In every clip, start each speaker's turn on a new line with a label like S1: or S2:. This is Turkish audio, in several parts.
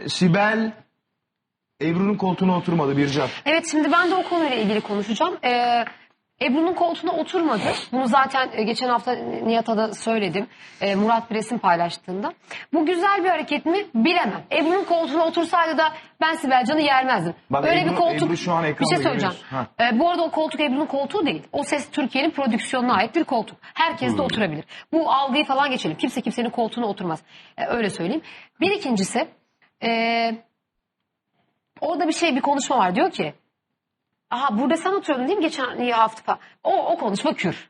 S1: Sibel Ebru'nun koltuğuna oturmadı Bircan.
S2: Evet, şimdi ben de o konuyla ilgili konuşacağım. Ebru'nun koltuğuna oturmadı. Bunu zaten geçen hafta Nihat'a da söyledim. Murat bir resim paylaştığında. Bu güzel bir hareket mi bilemem. Ebru'nun koltuğuna otursaydı da ben Sibel Can'ı yermezdim.
S1: Bak,
S2: öyle
S1: Ebru,
S2: bir koltuk.
S1: Ebru şu an
S2: Bir şey söyleyeceğim. Bu arada o koltuk Ebru'nun koltuğu değil. O Ses Türkiye'nin prodüksiyonuna ait bir koltuk. Herkes de oturabilir. Bu algıyı falan geçelim. Kimse kimsenin koltuğuna oturmaz. Öyle söyleyeyim. Bir ikincisi orada bir konuşma var. Diyor ki aha burada sen oturuyordun değil mi geçen hafta? O konuşma kür.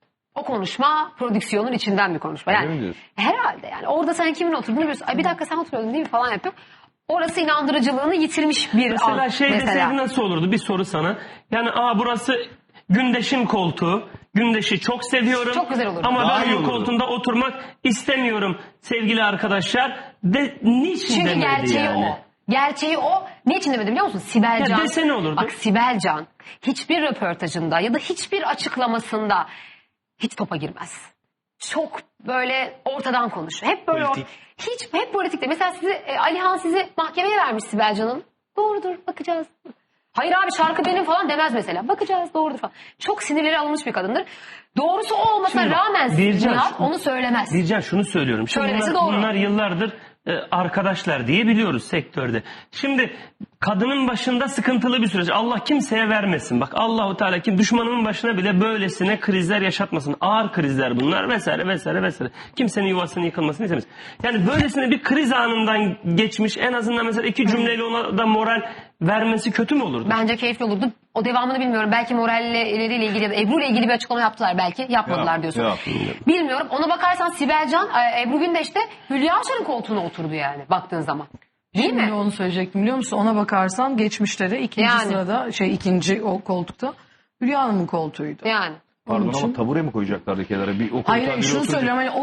S2: O konuşma prodüksiyonun içinden bir konuşma. Yani herhalde yani orada sen kimin oturduğunu biliyorsun. Ay bir dakika sen oturuyordun değil mi falan yapıyor. Orası inandırıcılığını yitirmiş bir
S3: mesela
S2: an.
S3: Deseydi nasıl olurdu? Bir soru sana. Yani burası Gündeş'in koltuğu. Gündeş'i çok seviyorum.
S2: Çok güzel olurdu.
S3: Ama
S1: Daha
S3: ben bu koltuğunda oturmak istemiyorum sevgili arkadaşlar. Niçin
S2: Çünkü
S3: demedi
S2: gerçeği
S3: yani?
S2: o. Gerçeği o. Niçin demedi biliyor musun? Sibel Can.
S3: Dese ne olurdu?
S2: Bak Sibel Can hiçbir röportajında ya da hiçbir açıklamasında hiç topa girmez. Çok böyle ortadan konuşuyor. Hep böyle hep politikte. Mesela Alihan sizi mahkemeye vermiş Sibel Can'ın. Doğrudur bakacağız. Hayır abi şarkı benim falan demez mesela. Bakacağız doğrudur falan. Çok sinirleri alınmış bir kadındır. Doğrusu o olmasına rağmen Nihat onu söylemez.
S3: Bircan şunu söylüyorum. Şimdi bunlar yıllardır arkadaşlar diye biliyoruz sektörde. Şimdi kadının başında sıkıntılı bir süreç. Allah kimseye vermesin. Bak Allahu Teala düşmanının başına bile böylesine krizler yaşatmasın. Ağır krizler bunlar vesaire vesaire vesaire. Kimsenin yuvasının yıkılmasını istemez. Yani böylesine bir kriz anından geçmiş en azından mesela 2 cümleyle ona da moral vermesi kötü mü olurdu?
S2: Bence keyifli olurdu. O devamını bilmiyorum. Belki moralleriyle ilgili ya da Ebru ile ilgili bir açıklama yaptılar belki. Yapmadılar diyorsun.
S1: Yok.
S2: Bilmiyorum. Ona bakarsan Sibel Can, Ebru Gündeş de Hülya Avşar'ın koltuğuna oturdu yani baktığın zaman. Değil mi?
S4: Onu söyleyecektim biliyor musun? Ona bakarsan geçmişte de ikinci sırada ikinci o koltukta Hülya Hanım'ın koltuğuydu.
S2: Yani.
S1: Pardon ama tabure mi koyacaklardı kenara?
S4: Hayır şunu söylüyorum. Yani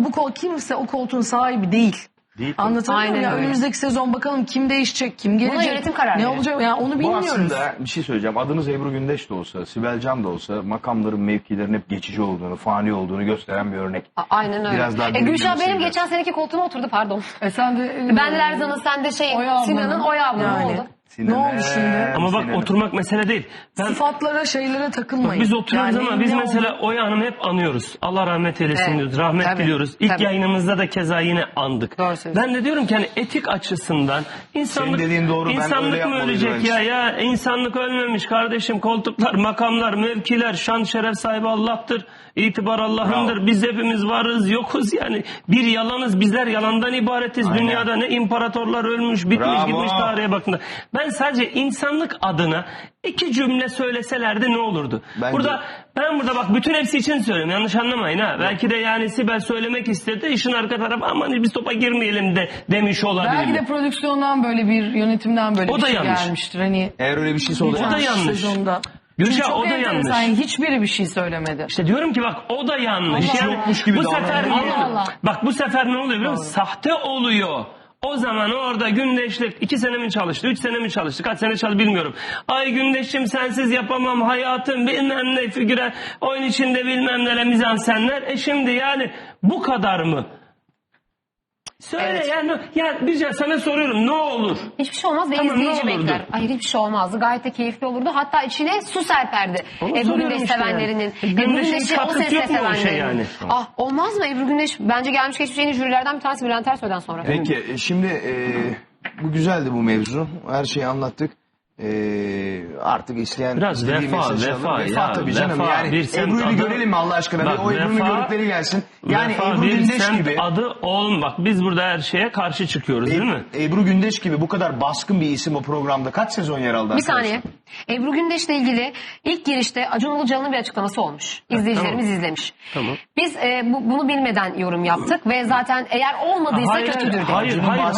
S4: kimse o koltuğun sahibi değil. Anlatabiliyor muyum? Önümüzdeki sezon bakalım kim değişecek, kim gelecek.
S2: Buna yönetim kararı.
S4: Ne olacak? Yani onu bilmiyoruz.
S1: Bu aslında bir şey söyleyeceğim. Adınız Ebru Gündeş de olsa, Sibel Can da olsa makamların, mevkilerin hep geçici olduğunu, fani olduğunu gösteren bir örnek.
S2: Aynen öyle.
S1: Biraz daha
S2: Gülşah benim geçen seneki koltuğuma oturdu pardon.
S4: Sen de
S2: ben de Lerzan'ın sen de Sinan'ın Oya ablanın ne oldu?
S4: Ne oldu şimdi?
S3: Ama bak oturmak mesele değil.
S4: Sıfatlara şeylere takılmayın.
S3: Biz oturuyoruz ama biz mesela Oya Hanım'ı hep anıyoruz. Allah rahmet eylesin diyoruz. Rahmet diliyoruz. İlk yayınımızda da keza yine andık. Ben de diyorum ki hani etik açısından insanlık mı ölecek ya insanlık ölmemiş kardeşim. Koltuklar, makamlar, mevkiler, şan şeref sahibi Allah'tır. İtibar Allah'ındır. Biz hepimiz varız, yokuz yani. Bir yalanız, bizler yalandan ibaretiz. Aynen. Dünyada ne imparatorlar ölmüş, bitmiş gitmiş tarihe bakın. Ben sadece insanlık adına 2 cümle söyleselerdi ne olurdu? Ben burada bak bütün hepsi için söylüyorum. Yanlış anlamayın ha. Belki de yani Sibel söylemek istedi. İşin arka tarafı aman biz topa girmeyelim de demiş olabilir.
S4: Belki de prodüksiyondan böyle bir yönetimden böyle
S3: o
S4: bir
S3: da
S4: şey
S3: yanlış.
S4: Gelmiştir. Hani
S1: eğer öyle bir şey oldu.
S3: O da yanlış.
S4: Sezonda.
S3: Gülşah o da yanlış.
S4: Yani hiçbiri bir şey söylemedi.
S3: İşte diyorum ki bak o da yanlış.
S1: Yani, yokmuş gibi
S3: bu sefer bak bu sefer ne oluyor biliyor musun? Sahte oluyor. O zaman orada Gündeş'le 2 sene mi çalıştı, 3 sene mi çalıştı, kaç sene çalıştı bilmiyorum. Ay Gündeş'im sensiz yapamam hayatım bilmem ne figüre, oyun içinde bilmem neler mizansenler. Şimdi yani bu kadar mı? Söyle ya Bircan sana soruyorum ne olur?
S2: Hiçbir şey olmaz ve izleyici bekler. Hayır hiçbir şey olmazdı. Gayet de keyifli olurdu. Hatta içine su serperdi. Ebru Gündeş sevenlerinin. Ebru Gündeş'i o sesle sevenlerin. Olmaz mı Ebru Gündeş? Bence gelmiş geçmiş en iyi jürilerden bir tanesi Bülent Ersoy'dan sonra.
S1: Peki şimdi bu güzeldi bu mevzu. Her şeyi anlattık. Artık isteyen
S3: biraz vefa
S1: tabii canım. Yani Ebru'yu bir görelim mi Allah aşkına?
S3: Bak,
S1: o Ebru'nun gördükleri gelsin. Yani Ebru Gündeş gibi.
S3: Adı bak biz burada her şeye karşı çıkıyoruz değil mi?
S1: Ebru Gündeş gibi bu kadar baskın bir isim o programda kaç sezon yer aldı?
S2: Bir saniye. Ebru Gündeş'le ilgili ilk girişte Acun Ilıcalı'nın bir açıklaması olmuş. İzleyicilerimiz izlemiş.
S3: Tamam.
S2: Biz bunu bilmeden yorum yaptık ve zaten eğer olmadıysa kötüdür dedik.
S3: Hayır.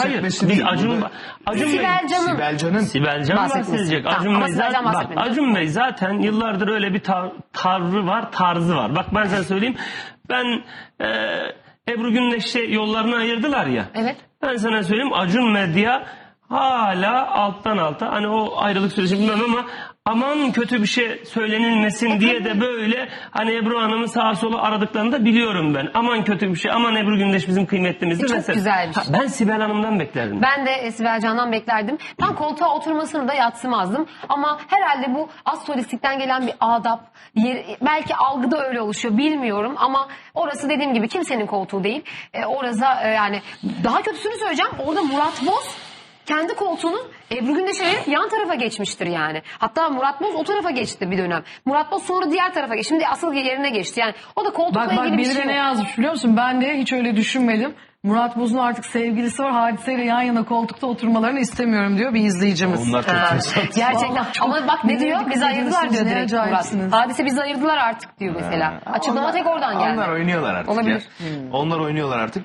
S1: Sibel Can'ın
S3: bahsedecek. Acun Bey zaten yıllardır öyle bir tarzı var. Bak ben sana söyleyeyim. Ben Ebru Gündeş'e yollarını ayırdılar ya.
S2: Evet.
S3: Ben sana söyleyeyim Acun Medya hala alttan alta, hani o ayrılık süreci bilmem ama aman kötü bir şey söylenilmesin diye de böyle hani Ebru Hanım'ın sağa sola aradıklarını da biliyorum ben. Aman kötü bir şey, aman Ebru Gündeş bizim kıymetlimizdir.
S2: Çok güzel bir şey.
S3: Ben Sibel Hanım'dan beklerdim.
S2: Ben de Sibel Can'dan beklerdim. Ben koltuğa oturmasını da yadsımazdım. Ama herhalde bu az solistlikten gelen bir adap. Belki algıda öyle oluşuyor, bilmiyorum. Ama orası dediğim gibi kimsenin koltuğu değil. Orası yani daha kötüsünü söyleyeceğim. Orada Murat Boz kendi koltuğunu Ebru Gündeş'e verip yan tarafa geçmiştir yani. Hatta Murat Boz o tarafa geçti bir dönem. Murat Boz sonra diğer tarafa geçti. Şimdi asıl yerine geçti. Yani o da koltukla ilgili bir şey yok.
S4: Bak ne yazmış biliyor musun? Ben de hiç öyle düşünmedim. Murat Boz'un artık sevgilisi var. Hadiseyle yan yana koltukta oturmalarını istemiyorum diyor bir izleyicimiz.
S1: Onlar çok tesadüf.
S2: Gerçekten. Ama bak ne diyor? Bizi ayırdılar diyor direkt Murat.
S4: acayipsiniz.
S2: Hadise bizi ayırdılar artık diyor mesela. Açıklama tek oradan geldi.
S1: Onlar oynuyorlar artık.
S2: Olabilir.
S1: Ya. Onlar oynuyorlar artık.